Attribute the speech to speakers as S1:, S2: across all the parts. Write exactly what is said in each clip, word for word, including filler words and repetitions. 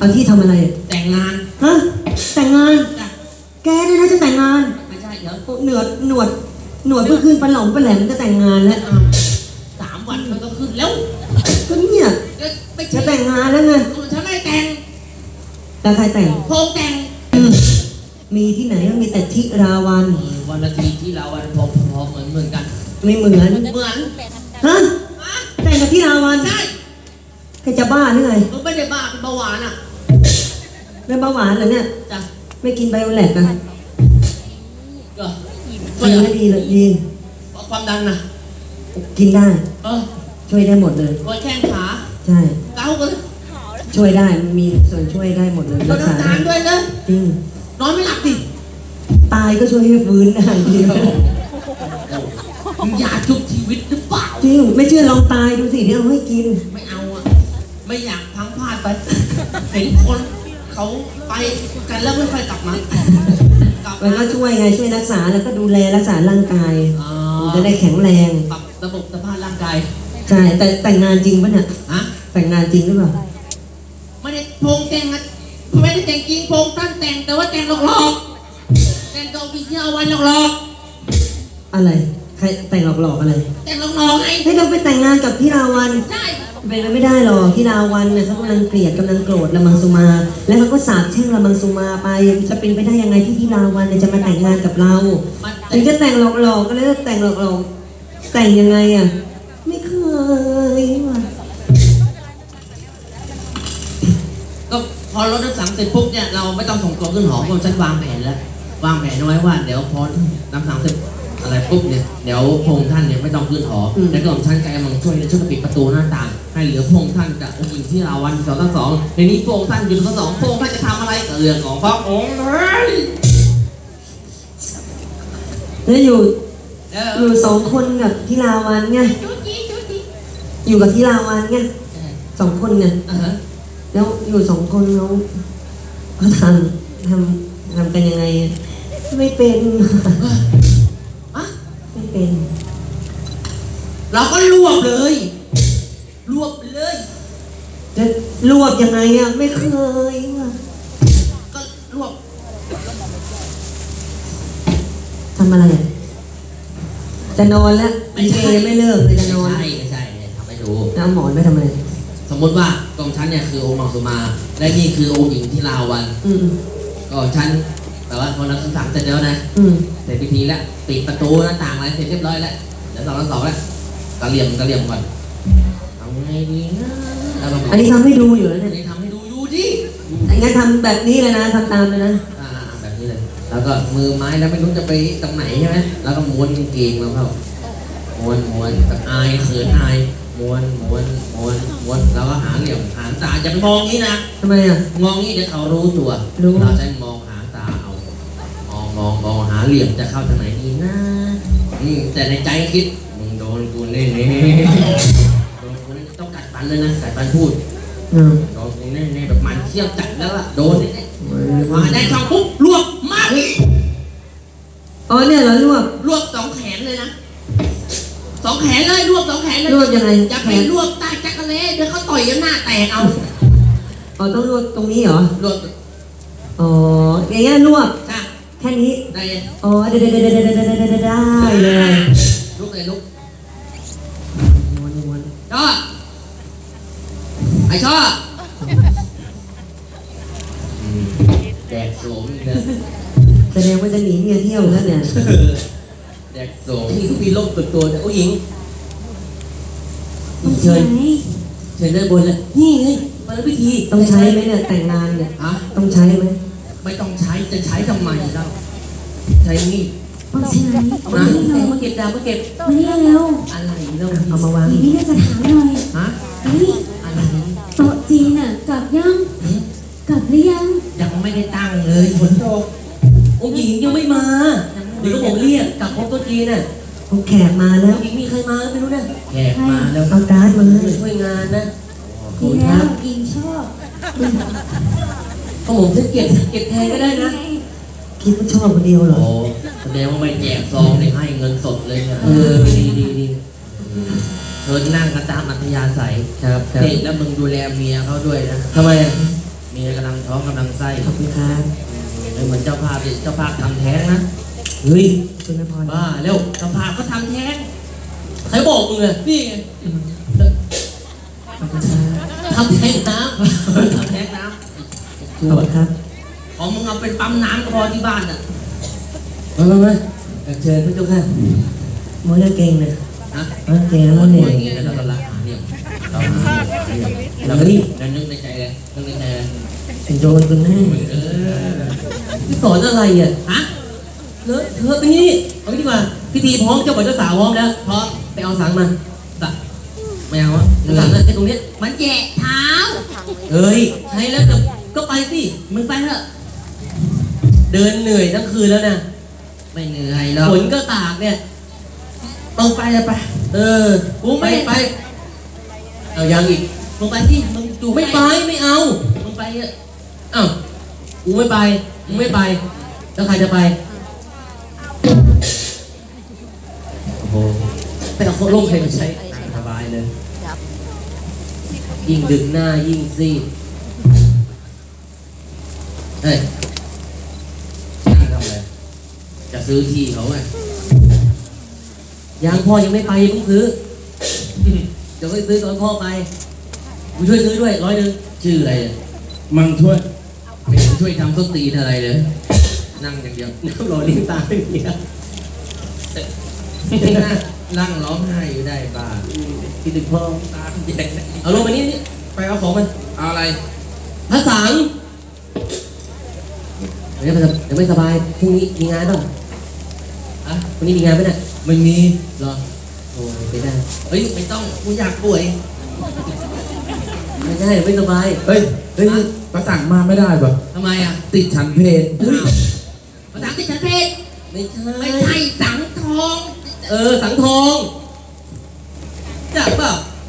S1: เอาที่ทำอะไร
S2: แต่งงาน
S1: ฮะแต่งงานแกเนี่ยนะจะแต่งงาน
S2: ไม่ใช่เดี๋ยว
S1: หนวดหนวดหนวดเพื่อคืนปลาหลงปลาแหลมมันจะแต่งงานแล้ว
S2: สามวันมันก็ขึ้นแล้ว
S1: ก็เนี่ยจะแต่งงานแล้วไง
S2: ฉันไม่แต่ง
S1: แล้วใครแต่ง
S2: โคงแต่ง
S1: มีที่ไหนก็มีแต่ทิราวัน
S2: วันละทีที่เราวันพอพอเหมือนเหมือนกัน
S1: ไม่เหมือนเหมือนฮะแต่งกับทิราวัน
S2: ใช่
S1: ใครจะบ้าหรือไง
S2: มึงไม่ได้บ้าเป็นเบาหวานอ่ะ
S1: เป็นเบาหวานเหรอเนี่ย
S2: จ้ะ
S1: ไม่กินไบโอแลตนะ
S2: ก็
S1: กินไม่ดีเลยดี
S2: ความดันนะ
S1: กินได้
S2: เออ
S1: ช่วยได้หมดเลย
S2: ปวดแข้งขา
S1: ใช่
S2: เกาเลย
S1: ช่วยได้มีส่วนช่วยได้หมดเลย
S2: รักษาด้วยนะ
S1: จริง
S2: นอนไม่หลับดิ
S1: ตายก็ช่วยให้ฟื้นได้เดียว
S2: มึงอยากจุบชีวิตหรือเปล่า
S1: จริงไม่เชื่อลองตายดูสิเดี๋ยวเอาให้กิน
S2: ไม่เอาอ่ะไม่อยากพังพลาดไปเห็นคนเขาไปกันแล้วไม่ค่อยกลับมา
S1: มันก็ช่วยไงช่วยรักษาแล้วก็ดูแลรักษาร่างกายจะได้แข็งแรง
S2: ปรับระบบสภาพร่างกาย
S1: ใช่แต่แต่งงานจริงปะเนี่ย
S2: ฮะ
S1: แต่งงานจริงหรือเปล่า
S2: ไม่ได้โพงแต่งนะไม่ได้แต่งจริงโพงตั้งแต่งแต่ว่าแต่งหลอกๆแต่งตัวปีเที่ยววันหลอก
S1: ๆอะไรใครแต่งหลอกๆอะไร
S2: แต่งหลอกๆไง
S1: ให้เราไปแต่งงานกับพี่ราวัน
S2: ใช่
S1: เป็นไปไม่ได้หรอกพี่ราวันเนี่ยเขากำลังเกลียดกำลังโกรธละมังสุมาแล้วเขาก็สาบแช่งละมังสุมาไปจะเป็นไปได้ยังไงที่พี่ราวันเนี่ยจะมาแต่งงานกับเราถึงจะแต่งหลอกๆก็แล้วแต่งหลอกๆแต่งยังไงอ่ะไม่เคยว่ะ
S2: ก็พอรถน้ำสังเสร็จปุ๊บเนี่ยเราไม่ต้องส่งตัวขึ้นหอเพราะฉันวางแผนแล้ววางแผนเอาไว้ว่าเดี๋ยวพอน้ำสังเสร็จอะไรปุ๊บเนี่ยเดี๋ยวพงท่านเนี่ยไม่ต้องขึ้นหอแล้วก็ผมท่านแกมังช่วยช่วยปิดประตูหน้าต่างให้เหลือพงท่านกับองค์หญิงที่ราวันสองต่อสองในนี้พงท่านอยู่ต่อสองพงท่านจะทำอะไรกับเรื่องของพระองค์เลย
S1: แล้วอยู่อยู่สองคนกับที่ราวันไงอยู่กับที่ราวันไงสองคนไงแล้วอยู่สองคนเขาเขาทำทำทำกันยังไงไม่เป็นไม่เป็น
S2: เราก็รวบเลยรวบเลย
S1: จะรวบยังไงอ่ะไม่เคยว่ะ
S2: ก็รวบ
S1: ทำอะไรจะนอนแล้วไม่ใช่ไม่เลิกเลยจะนอน
S2: ใช่ไม่ใช่ทำให้ดู
S1: แล้วหมอนไปทำอะไร
S2: สมมติว่ากองชั้นเนี่ยคือองค์มังสุมาและนี่คือองค์หญิงที่ราวันก็ชั้นแต่ว่าคนนั้นคำสั่งเสร็จแล้วนะเสร็จพิธีแล้วปิดประตูหน้าต่างอะไรเสร็จเรียบร้อยแล้วเดี๋ยวสองต่อสองแล้วกระเหลี่ยมกระเหลี่ยมก่อนทำไงดีนะ
S1: อันนี้ทำให้ดูอยู่แล้วเนี่ย
S2: อันนี้ทำให้ดูอยู่ดิ
S1: งั้นทำแบบนี้เลยนะทำตามเลยนะ
S2: อ่าแบบนี้เลยแล้วก็มือไม้แล้วไม่รู้จะไปตรงไหนใช่ไหมแล้วก็ม้วนเกงมาเข้าม้วนม้วนกับอายเขินอายม้วนม้วนม้วนม้วนแล้วก็หางเหลี่ยมหางตาอย่าไปมองนี้นะ
S1: ทำไมอ่ะ
S2: มองนี้เดี๋ยวเขารู้ตัวเราจะมองหางตาเอามองมองมองหาเหลี่ยมจะเข้าทางไหนดีนะอืมแต่ในใจคิดมึงโดนกูแน่แน่โดนกูแน่ต้องกัดฟันเลยนะกัดฟันพูดโดนกูแน่แน่แบบมันเที่ยวจัดแล้วล่ะโดนแน่มาได้ช่องปุ๊บรวบมาก
S1: อ๋อเนี่ยเหรอรวบ
S2: รวบสองแขนเลยนะสองแขนเลยรวบสองแขนเลย
S1: รวบยังไง
S2: จะไปรวบใต้จักรเล่เดี๋ยวเขาต่อยกันหน้าแตกเอา
S1: อ๋อต้องรวบตรงนี้เหรอ
S2: รวบ
S1: อ๋ออย่างเงี้ยรวบแค่นี้
S2: ได้
S1: อ๋อได้ได้ได้ได้ได้ได้ได้ได้เลย
S2: ลุกเลยลุกม้วนม้วนชอบไอ้ชอบแดกโสมเลย
S1: แสดงว่าจะหนีเมียเที่ยวแล้วเนี่ย
S2: แดกโสมนี่ก็มีโรคตัวตัวโอ้ยิง
S3: เชิญ
S2: เชิญได้บนเลยนี่ไงมาแล้วพิธี
S1: ต้องใช้ไหมเนี่ยแต่งงานเนี่ย
S2: ฮะ
S1: ต้องใช้ไหม
S2: ไม่ต้องใช้จะใช้ทำไมเล่าใช้นี่
S3: ต้องใช้นะ
S2: มาเก็บดาวมาเก็บ
S3: มานี่เร็ว
S2: อะไรเล่า
S1: เอามาวาง
S3: นี่จะถามหน่อย
S2: ฮะ
S3: นี่
S2: อะไร
S3: โต๊ะจีนอ่ะกลับยังกลับหรือยัง
S2: ยังไม่ได้ตั้งเลยฝนตกองค์หญิงยังไม่มาเดี๋ยวก็ผมเรียกกลับพบโต๊ะจีนน่ะ
S1: องค์แขกมาแล้ว
S2: องค์หญิงมีใครมาไม่รู้นะแขกมาแล้ว
S1: เอาการ์ดมา
S2: ช่วยงานนะ
S3: ดีแล้วยิงชอบ
S2: ก็ผมจะเก็บเก็บแทนก็ได้นะ
S1: คิดว่าชอบคนเดียวเหรอ
S2: โอ้แสดงว่าไม่แจกซองได้ให้เงินสดเลยนะเออดีดีดีเชิญนั่งกันตามอัธยาศัยครับเด็กแล้วมึงดูแลเมียเขาด้วยนะ
S1: ทำไม
S2: เมียกกำลังไส้
S1: ขอบคุณครับ
S2: เหมือนเจ้าภาพดิเจ้าภาพทำแท้งนะ
S4: เฮ้ย
S1: คุณนพร
S4: บ้าเร็ว
S2: เจ้าภาพก็ทำแท้ง
S4: ใครบอกมึงอะ
S2: นี่ไง
S1: ขอบคุณครับ
S4: ทำแท้งน้
S2: ทำแท้งน้
S1: ขอบคุณครับ
S2: ำของมึงเอาเป็นปั๊มน้ำก็พอที่บ้านอ่ะ
S4: ำมามามาเชิญพระเจ้าค่ะ
S1: โมเดลเก่งเลย
S2: นะ
S1: โมเดลเก่งแล้ว
S2: ค
S1: เนี่
S2: นอย ย่างนี้แล้วเราก็รักหาเนี่ยเราหาเนี่ยเราก็รีบเรานึกในใจเลยนึกในใจเลย
S1: เป็นโจรคุณแม่
S2: เออ
S4: พี่สอนอะไรอ่ะ
S2: ฮะ
S4: เลอะเธอะไปนี่เอางี้ดีกว่าพิธีพร้อมเจ้าบ่าวเจ้าสาวพร้อมแล้ว
S2: พร้อม
S4: ไปเอาสังมา
S2: สักไม่เอาวะ
S4: สังน่ะไอ้ตรงเนี้ย
S2: มันแยะเท้า
S4: เฮ้ยใช่แล้วแต่ก็ไปสิ
S2: มึงไปเถอะ
S4: เดินเหนื่อยทั้งคืนแล้วนะ
S2: ไม่เหนื่อยหรอก
S4: ฝนก็ตากเนี่ย
S2: เออไปเลยไป
S4: เออ
S2: กู
S4: ไป
S2: ไม่
S4: ไป
S2: ไป
S4: เอายังอีก
S2: มึงไปที่มึงจู
S4: ไม่ไปไม่เอา
S2: มึงไปเถอะ
S4: อ้าวกูไม่ไปมึงไม่ไป แล้วใครจะไป โอ้โหไปเอาโคล่มใครมาใช้สบายเลย ยิ่งดึกหน้ายิ่งซีดเฮ้ยนี่ทำอะไร
S2: จะซื้อที่เขาไง
S4: ยังพ่อยังไม่ไปเพิ่งซื้อ เดี๋ยวไปซื้อตอนพ่อไปกูช่วยซื้อด้วยร้อยหนึ่ง
S2: ชื่ออะไรอะ
S4: มังช่วย
S2: ไม่เห็นช่วยทำส้นตีนอะไรเลย นั่งอย่างเดียว
S4: น้ำหล่อเลี้ยงตาไม่มีครับ
S2: นั่งร้องไห้อยู่ได้บ้า
S4: คิดถึงพ่อ
S2: ตาแดง
S4: เอาลงมานี่นี่ไปเอาของมัน
S2: เอาอะไร
S4: พระสังเดี๋ยวไม่สบเดี๋ยวไม่สบายพรุ่งนี้มีงานป่ะ
S2: อะ
S4: พรุ่งนี้มีงานไหมน่ะ
S2: ไม่มี
S4: รอโอ้ยไม่ได้
S2: เฮ้ยไม่ต้องกูอยากป่วย
S4: ไม่ได้เดี๋ยวไม่สบาย
S5: เฮ้ย เฮ้ยประสั่งมาไม่ได้ปะ
S2: ทำไมอ่ะ
S5: ติดฉันเพลง
S2: อ้าวภาษาที่ฉันเพศ
S4: ไม่ใช่
S2: ไม่ใช่สังทอง
S4: เออสังทอง
S2: จับเปล่า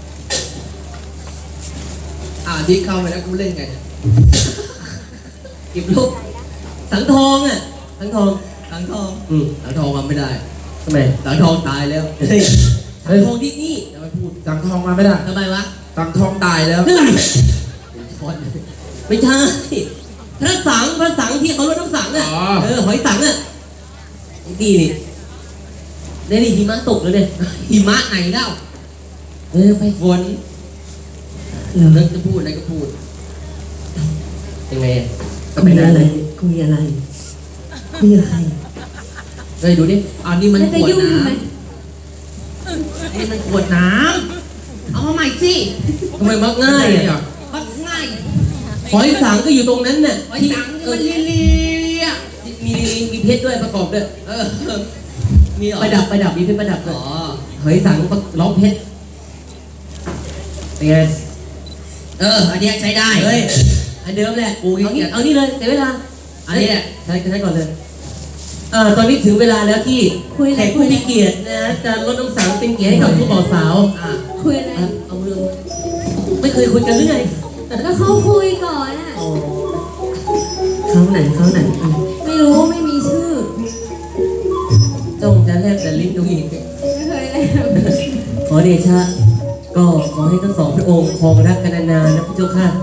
S2: อ่าดิเข้าไปแล้วกูเล่นไงเนี่ย
S4: เก็บลูกสังทองอ่ะสังทอง
S2: สังทอง
S4: อืม
S2: สังทองมันไม่ได้
S4: ทำไม
S2: สังทองตายแล้ว
S4: เฮ้ยสั
S5: เฮ้
S4: ง
S5: ย
S4: ทองที่นี่
S2: จะไม่พูด
S5: สังทองมาไม่ได้
S2: ทำไมวะ
S5: สังทองตายแล้ว
S2: ช้อน
S4: ไม่ใช่พระสังพระสังที่เขาลดน้ำสังอ่ะ
S5: อ๋อ
S4: เออหอยสังอ่ะนี่นี่เนี่ยนี่หิมะตกแล้วเนี่ย
S2: หิมะไหนเล่า
S4: เออไป
S2: ฝน
S1: เหรอ
S2: นึกจะพูดอะไรก็พูด
S4: ยังไงอะ
S1: คุยอะไรคุยอะไรคุยกับใคร
S4: เฮ้ยดูดิ
S2: อันนี้มัน
S3: แล้ว
S2: ข
S3: จะ
S2: วด
S3: ยุ่ง
S2: น้
S3: ทำไม
S2: ำนี่มันขวดน้ำเอามาใหม่สิ
S4: ทำไมมักง่ายอ่ะ
S2: มักง่าย
S4: หอยสังก็อยู่ตรงนั้นน่ะ
S2: ไอ้
S4: ที่
S2: สัง
S4: เอ
S2: มั
S4: อน
S2: เลีย
S4: มีมีเพชรด้วยประกอบด้วย
S2: ๆเออมีเหรอ
S4: ประดับประดับมีเพชรประดับด้
S2: อ๋
S4: วย
S2: อ
S4: หอยสังร้องเพชรเป็นไง
S2: เอออันเนี้ยใช้ได้
S4: เฮ้ยอันเดิมแหละ
S2: กูขี้
S4: เอา
S2: เกี
S4: นี่
S2: ยจ
S4: เอานี่เลยเสียเวลา
S2: อันนี้แหละ
S4: ใช้ใช้ก่อนเลยอ่าตอนนี้ถึงเวลาแล้วที่
S3: คุยอะไร
S4: แขกผู้มีเกียรตินะจะลดน้ำสังเป็นเกียรติให้กับผู้บ่าวสาว
S2: อ่ะ
S3: คุยอะไร
S4: อ่ะเอามือลงไม่เคยคุยกันหรือไง
S3: แล้วเขาคุยก่อนอ่ะ
S4: อ๋อ
S1: เขาไหนเขาไหนอ่ะ
S3: ไม่รู้ไม่มีชื่อ
S4: จ้องจะแลบแต่ลิ้นดูอีก
S3: ไม่เคยเลย
S4: ขอเดชะ ก็ขอให้ทั้งสองพระองค์ครองรักกันนานๆนะพระเจ้าค่ะ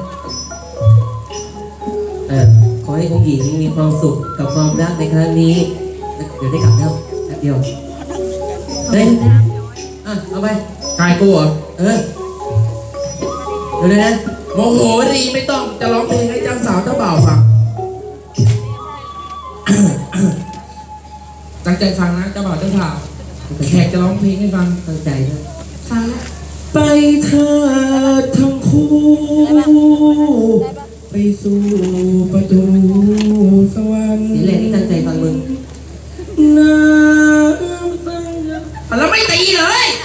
S4: เออขอให้องค์หญิงมีความสุขกับความรักในครั้งนี้แล้วเดี๋ยวได้กลับแล้วแป๊บเดียวเฮ้ยอ่ะเอาไป
S5: กายกูเหรอ
S4: เออเดี๋ยวเลยนะ
S5: โมโหดีไม่ต้องจะร้องเพลงให้เจ้าสาวเจ้าบ่าวฟัง ตั้งใจฟังนะเจ้าบ่าวเจ้าสาวแขกจะร้องเพลงให้ฟัง
S4: ตั้งใจด้วย
S3: ฟังละ
S5: ไปเธอทั้งคู่ ไปสู่ประตูสวรรค์
S4: นี่แหละที่ตั้งใจฟังมึง
S5: น้ำสังแล้วไม่ตีเลย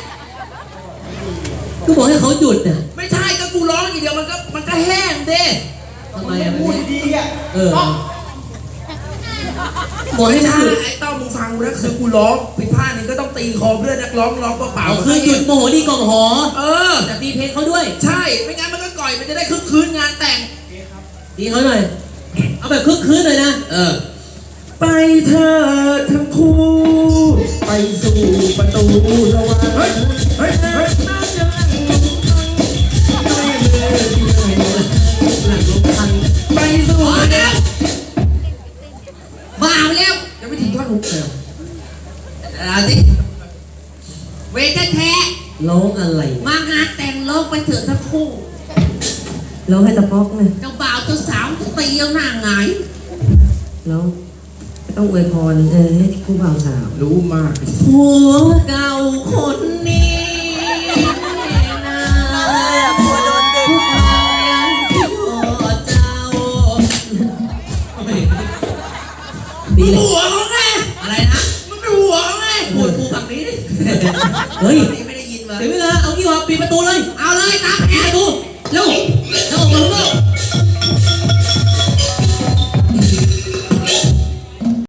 S4: ก็บอกให้เขาหยุดน่ะ
S5: ไม่ใช่ก็กูร้องอย่างเดียวมันก็มันก็แห้งเด้
S4: ทำไมอ่ะ
S5: พูดดีอ่ะ
S4: เออบอกให้
S5: ไม่
S4: ห
S5: ใช่
S4: ยุด
S5: ไอ้เต้ามึงฟังกูนะคือกูร้องผิดพลาดนึงก็ต้องตีคอเพื่อนนักร้องร้องเปล่า
S4: เอา
S5: ๆ
S4: คือหยุดโมโหดีกล่องหอ
S5: เออ
S4: แต่ตีเพลงเขาด้วย
S5: ใช่ไม่งั้นมันก็ก่อยมันจะได้คึกคืนงานแต่ง
S4: ตีเขาหน่อย เอาแบบคึกคืนหน่อยนะ
S2: เออ
S5: ไปเธอทั้งคู่ ไปสู่ประตูสวรรค์เฮ้ยเฮ้ยเฮ้ยน่าจะหลังลงทันไม่เลยที่ไหน
S4: หลังลงทัน
S5: ไปสู่
S2: เถอะทั้งคู่
S1: ร้องให้ตะป๊อกเลย
S2: เจ้าบ่าวเจ้าสาวจะตีเอาหน้าหงาย
S1: แล้วต้องอวยพรเออให้คู่บ่าวสาว
S5: รู้มาก
S2: ผัวเก่าคนนี้นะทุกคนยังที่พ่อเจ้า
S4: ดีเลย
S2: หัวเขาไงอะไรนะมันเป็นหัวเขาไงพูดกูฝั่งนี้ดิ
S4: เฮ้ย
S2: นี่ไม่ได้ยินวะ
S4: เดี๋ยวเวลาเอางี้วะปิดประตูเลย
S2: เอาเลยตามแผ
S4: ปิด
S2: น
S4: ประตูเร็ว